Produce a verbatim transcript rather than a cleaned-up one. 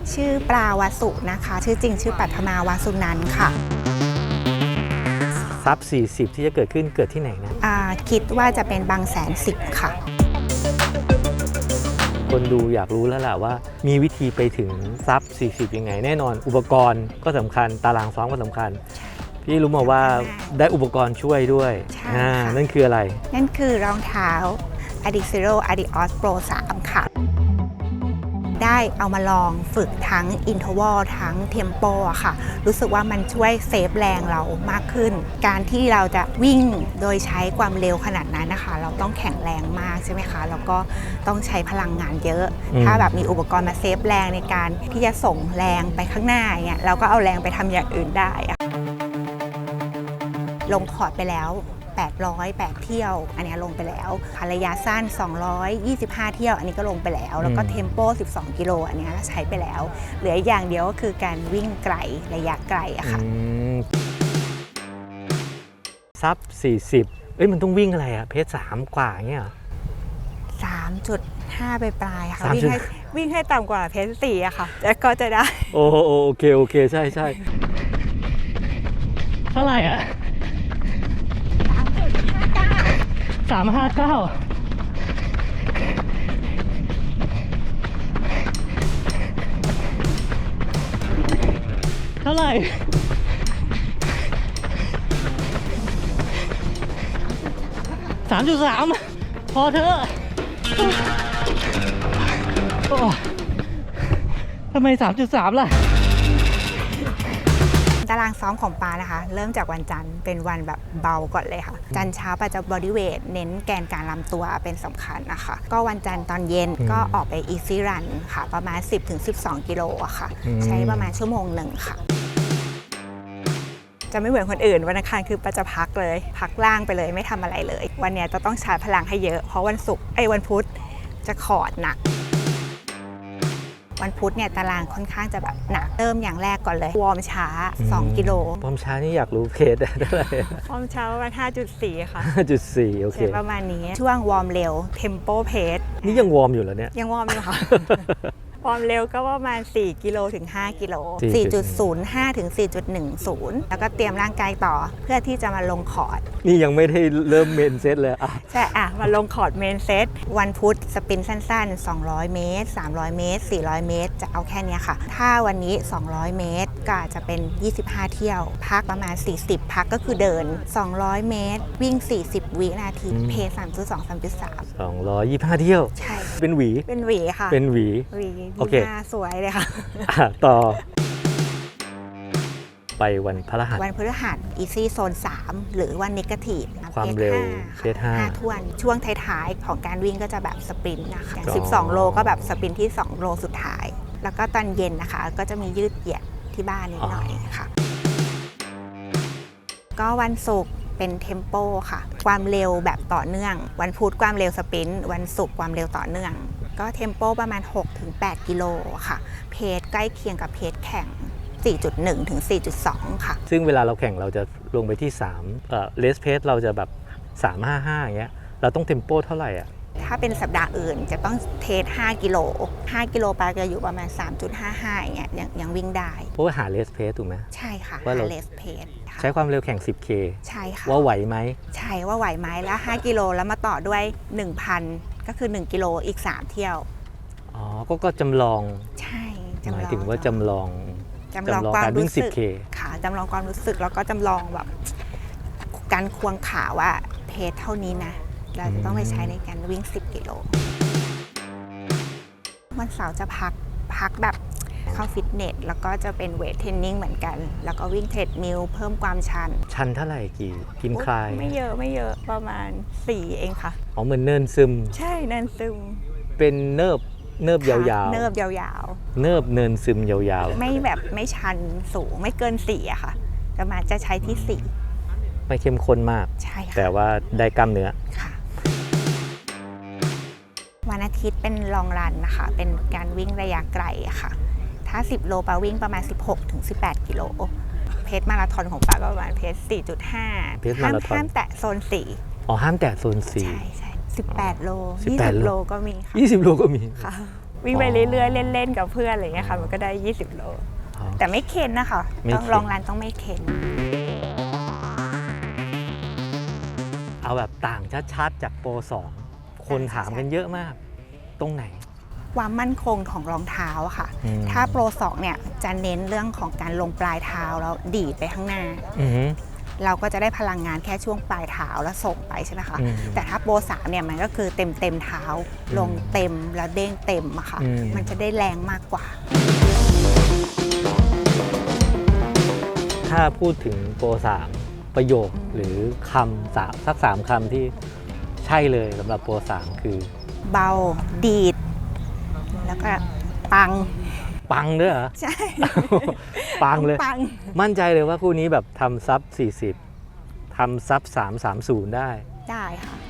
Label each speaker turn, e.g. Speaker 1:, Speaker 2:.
Speaker 1: ชื่อปลาวาสุนะคะชื่อจริงชื่อปัทมาวาสุนันท์ค่ะ
Speaker 2: ซับสี่สิบที่จะเกิดขึ้นเกิดที่ไหนนะ
Speaker 1: คิดว่าจะเป็นบางแสนสิบค่ะ
Speaker 2: คนดูอยากรู้แล้วล่ะว่ามีวิธีไปถึงซับสี่สิบยังไงแน่นอนอุปกรณ์ก็สำคัญตารางซ้อมก็สำคัญพี่รู้มาว่าได้อุปกรณ์ช่วยด้วยนั่นคืออะไร
Speaker 1: นั่นคือรองเท้า Adizero Adios Pro สามค่ะได้เอามาลองฝึกทั้ง Interval ทั้ง Tempo อะค่ะรู้สึกว่ามันช่วยเซฟแรงเรามากขึ้นการที่เราจะวิ่งโดยใช้ความเร็วขนาดนั้นนะคะเราต้องแข็งแรงมากใช่ไหมคะแล้วก็ต้องใช้พลังงานเยอะถ้าแบบมีอุปกรณ์มาเซฟแรงในการที่จะส่งแรงไปข้างหน้าเนี่ยเราก็เอาแรงไปทำอย่างอื่นได้ลงคอร์ดไปแล้วแปดร้อยแปดเที่ยวอันนี้ลงไปแล้วระยะสั้นสองร้อยยี่สิบห้าเที่ยวอันนี้ก็ลงไปแล้วแล้วก็เทมโปสิบสองกิโลอันนี้ใช้ไปแล้วเหลืออย่างเดียวก็คือการวิ่งไกลระยะไกลอะค่ะ
Speaker 2: ซับสี่สิบเอ้ยมันต้องวิ่งอะไรอะเพจสามกว่าเงี้ย
Speaker 1: สามจุดห้า ไปปลายค่ะวิ่งให้วิ่งให้ต่ำกว่าเพจสี่อะค่ะแล้วก็จะได้
Speaker 2: โอ้โอเคโอเคใช่ใช่เท่าไหร่อะสามห้าเก้าเท่าไหร่สามจุดสามพอเถอะทำไมสามจุดสามล่ะ
Speaker 1: ตารางซ้อมของปานะคะเริ่มจากวันจันทร์เป็นวันแบบเบาก่อนเลยค่ะจันทร์เช้าปาจะบอดี้เวทเน้นแกนการลำตัวเป็นสำคัญนะคะก็วันจันทร์ตอนเย็นก็ออกไปอีซี่รันค่ะประมาณ สิบถึงสิบสอง กิโลอะค่ะใช้ประมาณชั่วโมงหนึ่งค่ะจะไม่เหมือนคนอื่นวันอังคารคือปาจะพักเลยพักล่างไปเลยไม่ทำอะไรเลยวันนี้จะต้องชาร์จพลังให้เยอะเพราะวันศุกร์ไอ้วันพุธจะคอร์ดหนักวันพุธเนี่ยตารางค่อนข้างจะแบบหนักเริ่มอย่างแรกก่อนเลยวอร์มช้าสองกิโล
Speaker 2: วอร์มช้านี่อยากรู้เพจได้เท่าไหร่
Speaker 1: วอร์มช้าประมาณ ห้าจุดสี่ ค่ะ
Speaker 2: ห้าจุดสี่ โอเค
Speaker 1: ประมาณนี้ช่วงวอร์มเร็วเทมโปเพจ
Speaker 2: นี่ยังวอร์มอยู่แล้วเนี่ย
Speaker 1: ยังวอร์มอยู่ค่ะวอร์มเร็วก็ประมาณสี่กิโลถึงห้ากิโล สี่จุดศูนย์ห้า ถึง สี่จุดหนึ่งศูนย์ แล้วก็เตรียมร่างกายต่อเพื่อที่จะมาลงคอร์ด
Speaker 2: นี่ยังไม่ได้เริ่มเมนเซตเลยอ่ะ
Speaker 1: ใช่อ่ะมาลงคอร์ดเมนเซตวันพุธสปรินต์สั้นๆสองร้อยเมตรสามร้อยเมตรสี่ร้อยเมตรจะเอาแค่นี้ค่ะถ้าวันนี้สองร้อยเมตรก็อาจจะเป็นยี่สิบห้าเที่ยวพักประมาณสี่สิบพักก็คือเดินสองร้อยเมตรวิ่งสี่สิบวินาทีเพจ สามจุดสอง สามจุดสาม
Speaker 2: สองร้อยยี่สิบห้าเที่ยว
Speaker 1: ใช่
Speaker 2: เป็นหวี
Speaker 1: เป็นหวีค่ะ
Speaker 2: เป็นหวี
Speaker 1: หวี
Speaker 2: โอเค
Speaker 1: สวยเลยค่ะ
Speaker 2: ต่อไปวันพฤหัส
Speaker 1: วันพฤหัสอีซี่โซนสามหรือวันเนกาทีฟ
Speaker 2: ความเร็วเพจห้า
Speaker 1: ทวนช่วงท้ายๆของการวิ่งก็จะแบบสปรินต์นะคะสิบสองโลก็แบบสปรินต์ที่สองโลสุดท้ายแล้วก็ตอนเย็นนะคะก็จะมียืดเหยียดที่บ้านนิดหน่อยค่ะก็วันศุกร์เป็นเทมโปค่ะความเร็วแบบต่อเนื่องวันพุธความเร็วสปรินต์วันศุกร์ความเร็วต่อเนื่องก็เทมโปประมาณ หกถึงแปด กิโลค่ะเพจใกล้เคียงกับเพจแข่ง สี่จุดหนึ่ง ถึง สี่จุดสอง ค่ะ
Speaker 2: ซึ่งเวลาเราแข่งเราจะลงไปที่สามเอ่อเลสเพจเราจะแบบสามห้าห้าอย่างเงี้ยเราต้องเทมโปเท่าไหร่อ่ะ
Speaker 1: ถ้าเป็นสัปดาห์อื่นจะต้องเทสห้ากิโลห้ากิโลปาจะอยู่ประมาณ สามจุดห้าห้า อย่างเงี้ยยังยังวิ่งได้
Speaker 2: เพราะว่าหาเลสเพจถูกไหม
Speaker 1: ใช่ค่ะ
Speaker 2: ว่า
Speaker 1: หาเลสเพจ
Speaker 2: ใช้ความเร็วแข่ง สิบเค
Speaker 1: ใช่ค่ะ
Speaker 2: ว่าไหวไหม
Speaker 1: ใช่ว่าไหวไหมแล้วห้ากิโลแล้วมาต่อด้วย หนึ่งพัน ก็คือหนึ่งกิโลอีกสามเที่ยว
Speaker 2: อ๋อก็ก็จำลอง
Speaker 1: ใช่
Speaker 2: หมายถึงว่าจำลอง
Speaker 1: จำลองความรู้สึกค่ะจำลองความรู้สึกแล้วก็จำลองแบบการควงขาว่าเพจเท่านี้นะเราจะต้องไปใช้ในการวิ่งสิบกิโลวันเสาร์จะพักพักแบบเข้าฟิตเนสแล้วก็จะเป็นเวทเทรนนิ่งเหมือนกันแล้วก็วิ่งเทรดมิลเพิ่มความชัน
Speaker 2: ชันเท่าไหร่กี่กินคลาย
Speaker 1: ไม่เยอะไม่เยอะประมาณสี่เองค่ะ
Speaker 2: อ๋อเหมือนเนินซึม
Speaker 1: ใช่เนินซึม
Speaker 2: เป็นเนิบเนิบยาวๆ
Speaker 1: เนิบยาว
Speaker 2: ๆเนิบเนินซึมยาว
Speaker 1: ๆไม่แบบไม่ชันสูงไม่เกินสี่อะค่ะประมาณจะใช้ที่สี่
Speaker 2: ไม่เข้มข้นมาก
Speaker 1: ใช่ค่ะ
Speaker 2: แต่ว่าได้กล้ามเนื้อ
Speaker 1: ค่ะวันอาทิตย์เป็นลองรันนะคะเป็นการวิ่งระยะไกลอะค่ะถ้าสิบโลปาวิ่งประมาณ สิบหกถึงสิบแปด กิโลเพจมาราธอนของปาก็ประมาณเพจ สี่จุดห้า ห้ามห้ามแตะโซนสี่
Speaker 2: อ๋อห้ามแตะโซนสี่
Speaker 1: ใช่ใช่สิบแปดโลยี่สิบโลก็มีค่ะ
Speaker 2: ยี่สิบโลก็มี
Speaker 1: ค่ะวิ่งไปเรื่อยๆเล่นๆกับเพื่อนอะไรเงี้ยค่ะมันก็ได้ยี่สิบโลแต่ไม่เค็นนะคะต้องลองรันต้องไม่เค็น
Speaker 2: เอาแบบต่างชัดๆจากโปรสองคนถามกันเยอะมากตรงไหน
Speaker 1: ความมั่นคงของรองเท้าค่ะถ้าโปรสองเนี่ยจะเน้นเรื่องของการลงปลายเท้าแล้วดีดไปข้างหน้าเราก็จะได้พลังงานแค่ช่วงปลายเท้าแล้วส่งไปใช่ไหมคะแต่ถ้าโปรสามเนี่ยมันก็คือเต็มเต็มเท้าลงเต็มแล้วเด้งเต็มอะค่ะมันจะได้แรงมากกว่า
Speaker 2: ถ้าพูดถึงโปรสามประโยคหรือคำสามสักสามคำที่ใช่เลยสำหรับโปรสามคือ
Speaker 1: เบาดีดแล้วก็ปัง
Speaker 2: ปังด้วยเหรอ
Speaker 1: ใช่
Speaker 2: ปังเลยมั่นใจเลยว่าคู่นี้แบบทำซับสี่สิบทำซับสามสามศูนย์ได้
Speaker 1: ได้ค่ะ